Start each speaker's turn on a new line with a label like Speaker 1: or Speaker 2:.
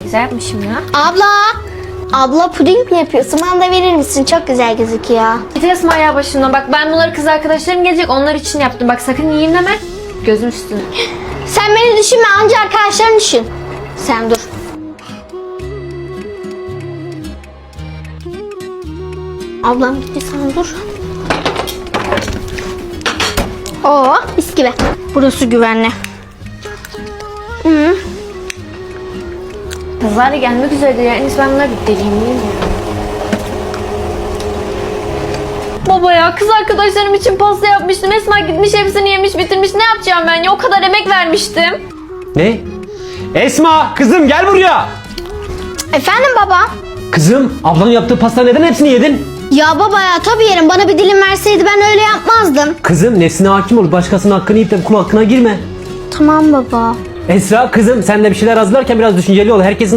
Speaker 1: Güzel yapmışım ya.
Speaker 2: Abla puding mi yapıyorsun? Bana da verir misin? Çok güzel gözüküyor.
Speaker 1: Git Esma ya başımdan. Bak ben bunları kız arkadaşlarım gelecek. Onlar için yaptım. Bak sakın yiyeyim deme. Gözüm üstüne.
Speaker 2: Sen beni düşünme, anca arkadaşlarını düşün. Sen dur. Ablam gitti, sen dur. Oo, mis gibi. Burası güvenli.
Speaker 1: Kızlar da gelmek üzere ya. En iyisi ben bunları bir deleyim değil mi? Baba ya kız arkadaşlarım için pasta yapmıştım. Esma gitmiş hepsini yemiş bitirmiş. Ne yapacağım ben ya? O kadar emek vermiştim.
Speaker 3: Ne? Esma kızım gel buraya.
Speaker 2: Efendim baba?
Speaker 3: Kızım ablanın yaptığı pasta neden hepsini yedin?
Speaker 2: Ya baba ya, tabii yerim. Bana bir dilim verseydi ben öyle yapmazdım.
Speaker 3: Kızım nefsine hakim ol, başkasının hakkını yiyip de kul hakkına girme.
Speaker 2: Tamam baba.
Speaker 3: Esra kızım sen de bir şeyler hazırlarken biraz düşünceli ol. Herkesin